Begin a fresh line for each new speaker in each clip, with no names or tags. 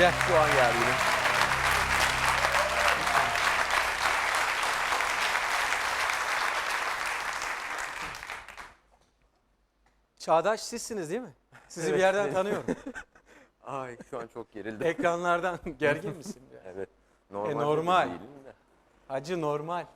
Gel.
Puan geldi yine.
Çağdaş sizsiniz değil mi? Sizi bir
Evet,
yerden
benim.
tanıyorum.
Ay şu an çok gerildim.
Ekranlardan gergin misin?
Evet. Normal.
Normal.
Değilim de.
Acı normal.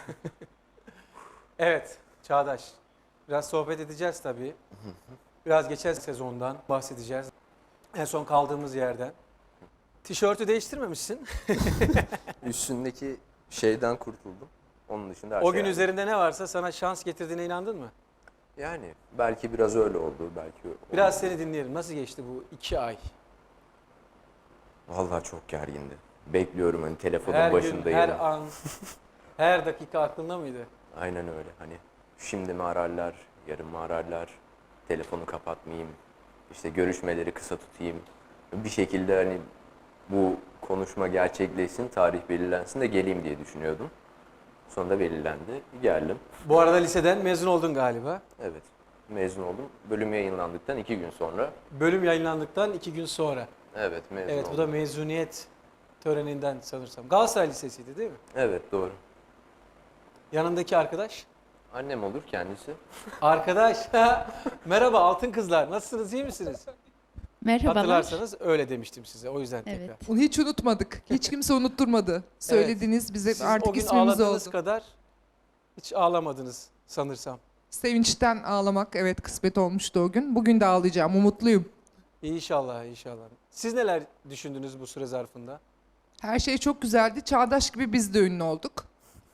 Evet Çağdaş. Biraz sohbet edeceğiz tabii. Biraz geçen sezondan bahsedeceğiz. En son kaldığımız yerden. Tişörtü değiştirmemişsin.
Üstündeki şeyden kurtuldum. Onun dışında her
O
şey
gün
aynı.
üzerinde ne varsa sana şans getirdiğine inandın mı?
Yani belki biraz öyle oldu. Belki
Biraz seni dinleyelim. Nasıl geçti bu 2 ay?
Vallahi çok gergindi. Bekliyorum hani telefonun
Her gün,
başındayım.
her an, her dakika aklında mıydı?
Aynen öyle. Hani şimdi mi ararlar, yarın mı ararlar, telefonu kapatmayayım, işte görüşmeleri kısa tutayım. Bir şekilde hani bu konuşma gerçekleşsin, tarih belirlensin de geleyim diye düşünüyordum. Sonunda belirlendi. Geldim.
Bu arada liseden mezun oldun galiba.
Evet. Mezun oldum. Bölüm yayınlandıktan 2 gün sonra.
Bölüm yayınlandıktan 2 gün sonra.
Evet, mezun
Evet,
oldum.
bu da mezuniyet töreninden sanırsam. Galatasaray Lisesi'ydi değil mi?
Evet, doğru.
Yanındaki arkadaş.
Annem olur kendisi.
Arkadaş, merhaba altın kızlar. Nasılsınız, iyi misiniz?
Merhabalar.
Hatırlarsanız öyle demiştim size. O yüzden
Evet.
tekrar.
Onu hiç unutmadık. Hiç kimse unutturmadı. Söylediğiniz bize
Siz
artık
o gün
ismimiz
ağladığınız
oldu.
kadar hiç ağlamadınız sanırsam.
Sevinçten ağlamak evet kısmet olmuştu o gün. Bugün de ağlayacağım. Umutluyum.
İnşallah, inşallah. Siz neler düşündünüz bu süre zarfında?
Her şey çok güzeldi. Çağdaş gibi biz de ünlü olduk.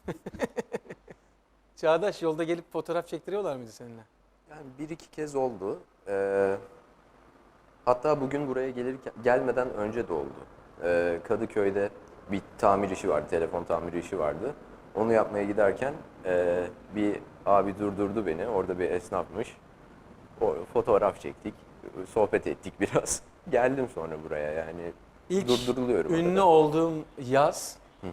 Çağdaş yolda gelip fotoğraf çektiriyorlar mıydı seninle?
Yani bir iki kez oldu. Hatta bugün buraya gelmeden önce de oldu. Kadıköy'de bir tamir işi vardı, telefon tamir işi vardı. Onu yapmaya giderken bir abi durdurdu beni. Orada bir esnafmış. O fotoğraf çektik, sohbet ettik biraz. Geldim sonra buraya yani.
İlk
Durduruluyorum
ünlü
arada.
olduğum yaz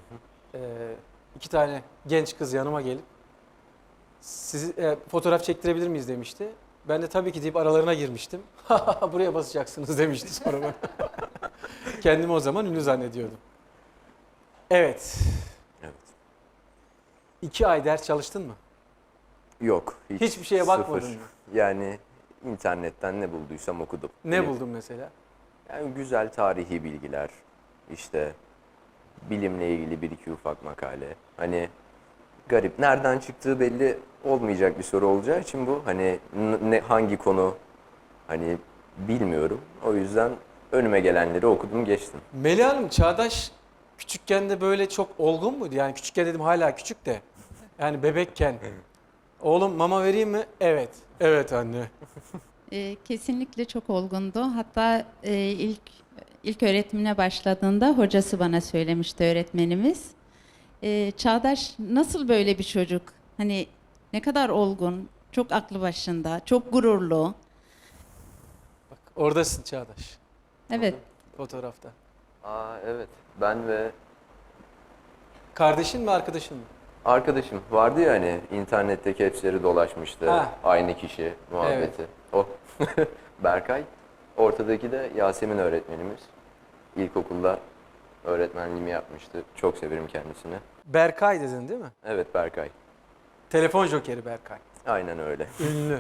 2 tane genç kız yanıma gelip sizi fotoğraf çektirebilir miyiz demişti. Ben de tabii ki deyip aralarına girmiştim. Buraya basacaksınız demişti sonra bana. Kendimi o zaman ünlü zannediyordum. Evet.
Evet.
2 ay ders çalıştın mı?
Yok.
Hiçbir şeye bakmadın mı?
Yani internetten ne bulduysam okudum.
Ne buldun mesela?
Yani güzel tarihi bilgiler, işte bilimle ilgili bir iki ufak makale. Hani garip, nereden çıktığı belli olmayacak bir soru olacağı için bu. Hani hangi konu hani bilmiyorum. O yüzden önüme gelenleri okudum geçtim.
Melih Hanım, Çağdaş küçükken de böyle çok olgun muydu? Yani küçükken dedim hala küçük de. Yani bebekken. Oğlum mama vereyim mi? Evet. Evet anne.
Kesinlikle çok olgundu. Hatta ilk öğretimine başladığında hocası bana söylemişti öğretmenimiz. Çağdaş nasıl böyle bir çocuk? Hani ne kadar olgun, çok aklı başında, çok gururlu.
Bak oradasın Çağdaş.
Evet.
Fotoğrafta.
Aa evet, ben ve
Kardeşin mi arkadaşın mı?
arkadaşım vardı ya hani internetteki hepsleri dolaşmıştı.
Ha.
Aynı kişi muhabbeti. O Berkay. Ortadaki de Yasemin öğretmenimiz. İlkokulda öğretmenliğimi yapmıştı. Çok severim kendisini.
Berkay dedin değil mi?
Evet Berkay.
Telefon jokeri Berkay.
Aynen öyle.
Ünlü.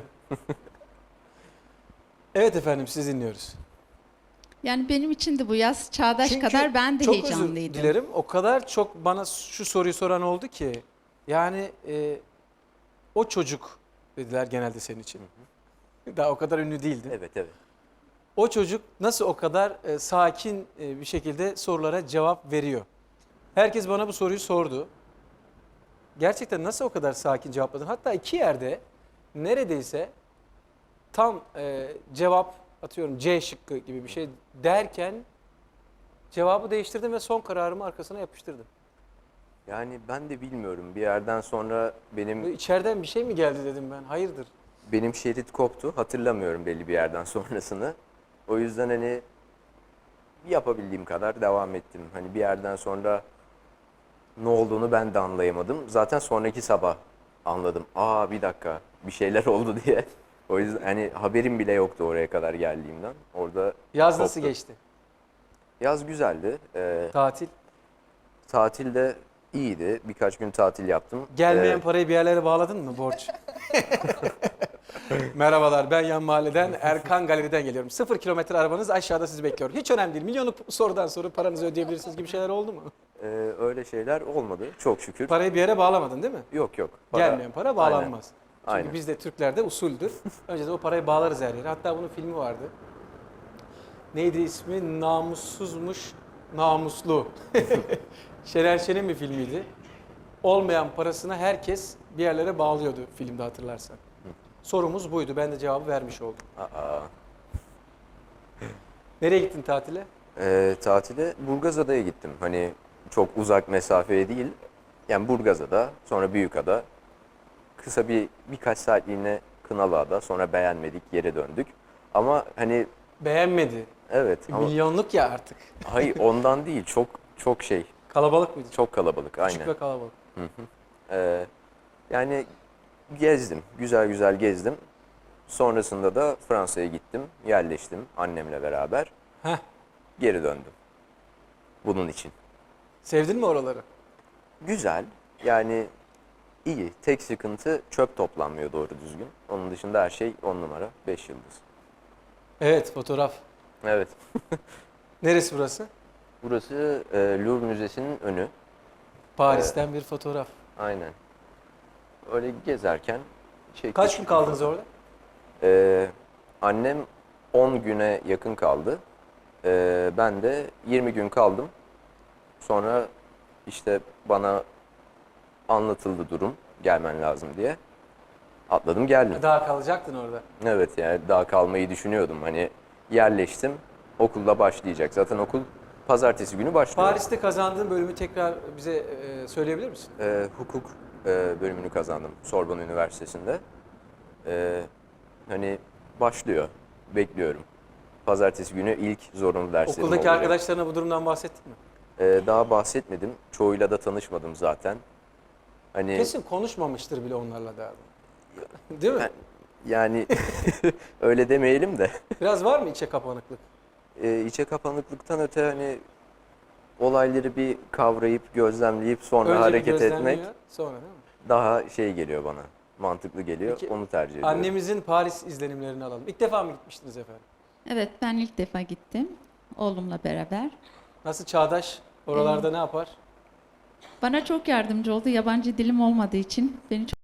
Evet efendim siz dinliyoruz.
Yani benim için de bu yaz Çağdaş
Çünkü
kadar ben de
çok özür
heyecanlıydım.
dilerim. O kadar çok bana şu soruyu soran oldu ki. Yani o çocuk dediler genelde senin için. Daha o kadar ünlü değildin.
Evet evet.
O çocuk nasıl o kadar sakin bir şekilde sorulara cevap veriyor? Herkes bana bu soruyu sordu. Gerçekten nasıl o kadar sakin cevapladın? Hatta 2 yerde neredeyse tam cevap atıyorum C şıkkı gibi bir şey derken cevabı değiştirdim ve son kararımı arkasına yapıştırdım.
Yani ben de bilmiyorum. Bir yerden sonra
Böyle içeriden bir şey mi geldi dedim ben. Hayırdır?
benim şerit koptu. Hatırlamıyorum belli bir yerden sonrasını. O yüzden hani yapabildiğim kadar devam ettim. Hani bir yerden sonra ne olduğunu ben de anlayamadım. Zaten sonraki sabah anladım. Aa bir dakika bir şeyler oldu diye. O yüzden hani haberim bile yoktu oraya kadar geldiğimden. Orada
Yaz nasıl
koptu.
geçti?
Yaz güzeldi.
Tatil.
Tatil de iyiydi. Birkaç gün tatil yaptım.
Gelmeyen parayı bir yerlere bağladın mı borç? Merhabalar, ben yan mahalleden Erkan Galeri'den geliyorum. 0 kilometre arabanız, aşağıda sizi bekliyor. Hiç önemli değil. Milyonluk sorudan sonra paranızı ödeyebilirsiniz gibi şeyler oldu mu?
Öyle şeyler olmadı çok şükür.
Parayı bir yere bağlamadın değil mi?
Yok yok.
Gelmeyen para bağlanmaz.
Aynen.
Çünkü
Aynen.
bizde Türklerde usuldür. Önceden o parayı bağlarız her yere. Hatta bunun filmi vardı. Neydi ismi? Namussuzmuş, namuslu. Şener Şen'in bir filmiydi. Olmayan parasını herkes bir yerlere bağlıyordu filmde, hatırlarsan. Sorumuz buydu. Ben de cevabı vermiş oldum.
Aa.
Nereye gittin tatile?
Tatile Burgazada'ya gittim. Hani çok uzak mesafeye değil. Yani Burgazada, sonra Büyükada. Kısa birkaç saatliğine Kınalıada, sonra beğenmedik, geri döndük. Ama hani
Beğenmedi.
evet ama
Milyonluk ya artık.
hayır ondan değil. Çok şey,
Kalabalık mıydı?
çok kalabalık
Küçük
aynen.
ve kalabalık.
Ee, yani gezdim, güzel güzel gezdim. Sonrasında da Fransa'ya gittim, yerleştim annemle beraber.
Heh.
Geri döndüm. Bunun için.
Sevdin mi oraları?
Güzel, yani iyi. Tek sıkıntı çöp toplanmıyor doğru düzgün. Onun dışında her şey 10 numara, 5 yıldız.
Evet, fotoğraf.
Evet.
Neresi burası?
Burası Louvre Müzesi'nin önü.
Paris'ten bir fotoğraf.
Aynen. Öyle gezerken çektik.
Kaç gün kaldınız orada?
Annem 10 güne yakın kaldı. Ben de 20 gün kaldım. Sonra işte bana anlatıldı durum, gelmen lazım diye. Atladım geldim.
Daha kalacaktın orada.
Evet yani daha kalmayı düşünüyordum. Hani yerleştim, okulda başlayacak. Zaten okul pazartesi günü başlıyor.
Paris'te kazandığın bölümü tekrar bize söyleyebilir misin?
Hukuk bölümünü kazandım Sorbonne Üniversitesi'nde. Hani başlıyor, bekliyorum. Pazartesi günü ilk zorunlu derslerim
Okuldaki
olacak.
arkadaşlarına bu durumdan bahsettin mi?
Daha bahsetmedim. Çoğuyla da tanışmadım zaten. Hani
Kesin konuşmamıştır bile onlarla derdim. Değil mi?
yani öyle demeyelim de
Biraz var mı içe kapanıklık?
içe kapanıklıktan öte hani olayları bir kavrayıp gözlemleyip sonra
Önce bir
hareket
gözlemliyor,
etmek
sonra değil mi?
daha şey geliyor bana. Mantıklı geliyor.
Peki,
Onu tercih ediyorum.
Annemizin Paris izlenimlerini alalım. İlk defa mı gitmiştiniz efendim?
Evet, ben ilk defa gittim oğlumla beraber.
Nasıl Çağdaş? Oralarda ne yapar?
Bana çok yardımcı oldu. Yabancı dilim olmadığı için beni